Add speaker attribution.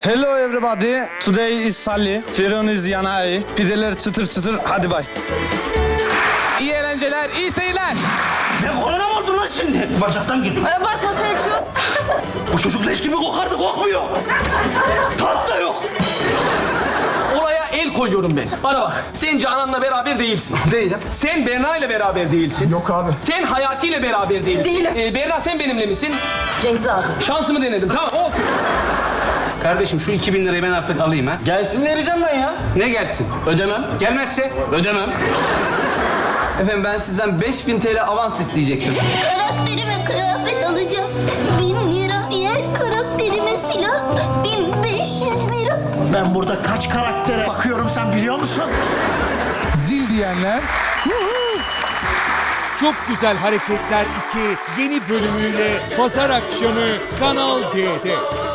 Speaker 1: Hello everybody. Today is Sally. Firon is Yanai. Pideler çıtır çıtır. Hadi bay.
Speaker 2: İyi eğlenceler, iyi seyirler.
Speaker 3: Ne korona mı oldun lan şimdi? Bacaktan gidiyor.
Speaker 4: Abartma Selçuk.
Speaker 3: Bu çocuk leş gibi kokardı, kokmuyor. Tat da yok.
Speaker 2: Olaya el koyuyorum ben. Bana bak, sen Canan'la beraber değilsin.
Speaker 3: Değilim.
Speaker 2: Sen Berna ile beraber değilsin.
Speaker 3: Yok abi.
Speaker 2: Sen Hayati ile beraber değilsin.
Speaker 4: Değilim.
Speaker 2: Berna sen benimle misin?
Speaker 4: Cengiz abi.
Speaker 2: Şansımı denedim, tamam olsun. Kardeşim şu 2000 lirayı ben artık alayım ha.
Speaker 3: Gelsin vereceğim ben ya.
Speaker 2: Ne gelsin?
Speaker 3: Ödemem.
Speaker 2: Gelmezse?
Speaker 3: Ödemem.
Speaker 5: Efendim ben sizden 5000 TL avans isteyecektim.
Speaker 6: Karakterime kıyafet alacağım. 1000 lira. Diğer karakterime silah. 1500 lira.
Speaker 3: Ben burada kaç karaktere bakıyorum sen biliyor musun?
Speaker 7: Zil diyenler. Çok Güzel Hareketler 2 yeni bölümüyle pazar akşamı Kanal D'de.